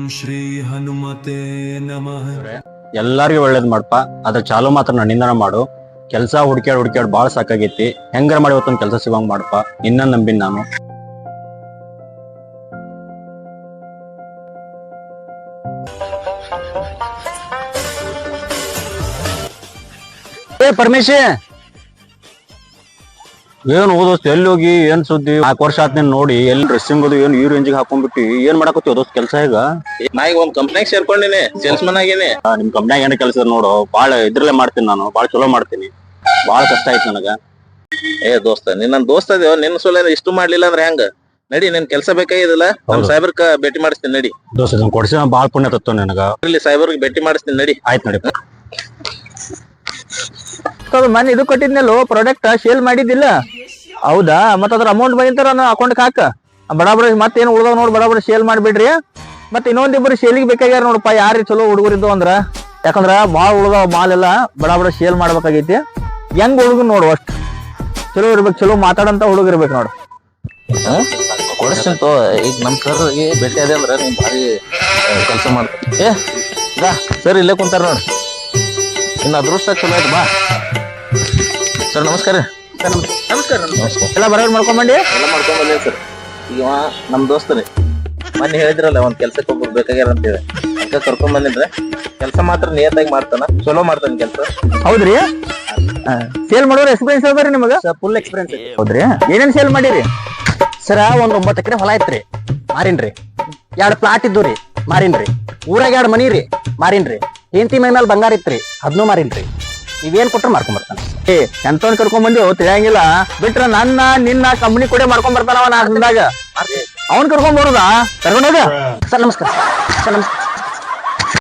ಶ್ರೀ ಹನುಮತೆ ನಮಃ. ಎಲ್ಲಾರ್ಗು ಒಳ್ಳೇದ್ ಮಾಡಪ್ಪ. ಅದ್ರ ಚಾಲು ಮಾತ್ರ ನನ್ನಿಂದನ ಮಾಡು. ಕೆಲ್ಸ ಹುಡ್ಕ್ಯಾಡ್ ಬಾಳ ಸಾಕಾಗೈತಿ. ಹೆಂಗಾರ ಮಾಡಿ ಇವತ್ತೊಂದ್ ಕೆಲ್ಸ ಸಿಗೋಂಗ್ ಮಾಡಪ್ಪ. ನಿನ್ನ ನಂಬಿನ್ ನಾನು. ಪರಮೇಶಿ, ಏನ್ ಓದೋಸ್ತ ಎಲ್ಲಿ ಹೋಗಿ ಏನ್ ಸುದ್ದಿ? 4 ವರ್ಷ ಆತ್ ನೀನ್ ನೋಡಿ. ಎಲ್ಲಿ ಡ್ರೆಸ್ಸಿಂಗ್ ಅದು ಏನ್ ಈ ರೇಂಜಿಗೆ ಹಾಕೊಂಡ್ಬಿಟ್ಟು ಏನ್ ಮಾಡಾಕತ್ತಿ ಓದೋಸ್ ಕೆಲ್ಸ? ಈಗ ನಾ ಈಗ ಒಂದ್ ಕಂಪ್ನಿಯಾಗ ಸೇರ್ಕೊಂಡಿನಿ, ಸೇಲ್ಸ್ಮನ್ ಆಗೇನಿ. ನಿಮ್ ಕಂಪ್ನ್ಯಾಗ ಏನ್ ಕೆಲಸ ನೋಡು, ಬಾಳ ಇದ್ರಲ್ಲೇ ಮಾಡ್ತೀನಿ ನಾನು. ಬಾಳ ಚಲೋ ಮಾಡ್ತೀನಿ. ಬಾಳ ಕಷ್ಟ ಆಯ್ತು ನನಗ. ಏ ದೋಸ್ತ, ನಿನ್ನ ದೋಸ್ತ ಅದೇವ, ನಿನ್ನ ಸೊಲ ಇಷ್ಟು ಮಾಡ್ಲಿಲ್ಲ ಅಂದ್ರೆ ಹೆಂಗ? ನಡಿ, ನಿನ್ ಕೆಲ್ಸ ಬೇಕಾಗಿದಿಲ್ಲ, ನಮ್ ಸಾಹೇಬ್ರಕ ಭೇಟಿ ಮಾಡಿಸ್ತೀನಿ ನಡಿ. ದೋಸ್ತ ಇದನ್ನ ಕೊಡ್ಸಿ ಬಾಳ ಪುಣ್ಯ ತತ್ವ ನನಗ. ಇಲ್ಲಿ ಸಾಹೇಬ್ರಿಗೆ ಭೇಟಿ ಮಾಡಿಸ್ತೀನಿ ನಡಿ. ಆಯ್ತು ನಡಿ. ಮನೆ ಇದು ಕೊಟ್ಟಿದ್ನಲ್ಲೋ ಪ್ರಾಡಕ್ಟ್ ಸೇಲ್ ಮಾಡಿದ್ದಿಲ್ಲ? ಹೌದಾ? ಮತ್ತ ಅದ್ರ ಅಮೌಂಟ್ ಬಂದಿರ್ತಾರ ಅಕೌಂಟ್ ಹಾಕ. ಬಡಾಬಡ ಮತ್ತೇನು ಉಳ್ದಾವ ನೋಡ್, ಬಡಾಬಡ ಸೇಲ್ ಮಾಡ್ಬಿಡ್ರಿ. ಮತ್ ಇನ್ನೊಂದಿಬ್ರು ಸೇಲಿಗೆ ಬೇಕಾಗ್ಯಾರ ನೋಡಪ್ಪ. ಯಾರು ಚಲೋ ಹುಡುಗರಿದ್ದು ಅಂದ್ರ, ಯಾಕಂದ್ರ ಬಾಳ ಉಳ್ದಾವ ಮಾಲ್ ಎಲ್ಲ ಬಡಾಬಡ ಸೇಲ್ ಮಾಡ್ಬೇಕಾಗೈತಿ. ಹೆಂಗ್ ಹುಡುಗನ್ ನೋಡು, ಅಷ್ಟ್ ಚಲೋ ಇರ್ಬೇಕು, ಚಲೋ ಮಾತಾಡಂತ ಹುಡುಗ ಇರ್ಬೇಕು ನೋಡು. ಕೊಡಿಸ್ತೀನಿ ತೋ. ಈಗ ನಮ್ ಸರ್ ಭೇಟಿ ಅದೇ ಅಂದ್ರ ನೀವ್ ಭಾರಿ ಕೆಲಸ ಮಾಡ್ತೀನಿ. ಸರ್ ಇಲ್ಲೇ ಕುಂತಾರ ನೋಡ್ರಿ. ಇನ್ನು ಅದೃಷ್ಟ ಚಲೋ ಆಯ್ತು. ಬಾ ಸರ್, ನಮಸ್ಕಾರ. ನಮಸ್ಕಾರ. ಎಲ್ಲ ಬರೋರ್ ಮಾಡ್ಕೊಂಬಂಡಿ. ಎಲ್ಲ ಮಾಡ್ಕೊಂಡ್ ಬಂದೇವಿ ಸರ್. ಈಗ ನಮ್ ದೋಸ್ತರಿ ಮೊನ್ನೆ ಹೇಳಿದ್ರಲ್ಲ ಒಂದ್ ಕೆಲ್ಸಕ್ಕೆ ಒಬ್ಬರು ಬೇಕಾಗ್ಯಾರ ಅಂತ ಹೇಳಿ, ಅದಕ್ಕೆ ಕರ್ಕೊಂಡ್ ಬಂದಿದ್ರೆ. ಕೆಲ್ಸ ಮಾತ್ರ ನಿಯತ್ತಾಗಿ ಮಾಡ್ತಾನ, ಚಲೋ ಮಾಡ್ತಾನ ಕೆಲ್ಸ. ಹೌದ್ರಿ? ಸೇಲ್ ಮಾಡೋರ್ ಎಕ್ಸ್ಪೀರಿಯನ್ಸ್ ಅದಾರಿ ನಿಮಗ? Full experience. ಹೌದ್ರಿ? ಏನೇನ್ ಸೇಲ್ ಮಾಡಿರಿ ಸರ? ಒಂದ್ 9 ಎಕರೆ ಹೊಲ ಐತ್ರಿ, ಮಾರಿನ್ರಿ. 2 ಪ್ಲಾಟ್ ಇದ್ದು ರೀ, ಮಾರಿನ್ರಿ. ಊರಾಗ 2 ಮನಿ ರೀ, ಮಾರಿನ್ರಿ. ಹೆಂಡತಿ ಮೈ ಮೇಲೆ ಬಂಗಾರ ಇತ್ರಿ, ಅದನ್ನೂ ಮಾರಿನ್ರಿ. ನೀವೇನ್ ಕೊಟ್ರ ಮಾಡ್ಕೊಂಡ್ ಬರ್ತಾನ. ಎಂತವನ್ ಕರ್ಕೊಂಡ್ ಬಂದಿ ತಿಳಿಯಂಗಿಲ್ಲ. ಬಿಟ್ರ ನನ್ನ ನಿನ್ನ ಕಂಪ್ನಿ ಕೂಡ ಮಾಡ್ಕೊಂಡ್ ಬರ್ತಾನವ. 4 ದಿನದಾಗ ಅವನ್ ಕರ್ಕೊಂಡ್ ಬರುದಾ? ಕರ್ಕೊಂಡೋಗ. ಸರ್ ನಮಸ್ಕಾರ. ಸರ್ ನಮಸ್ಕಾರ.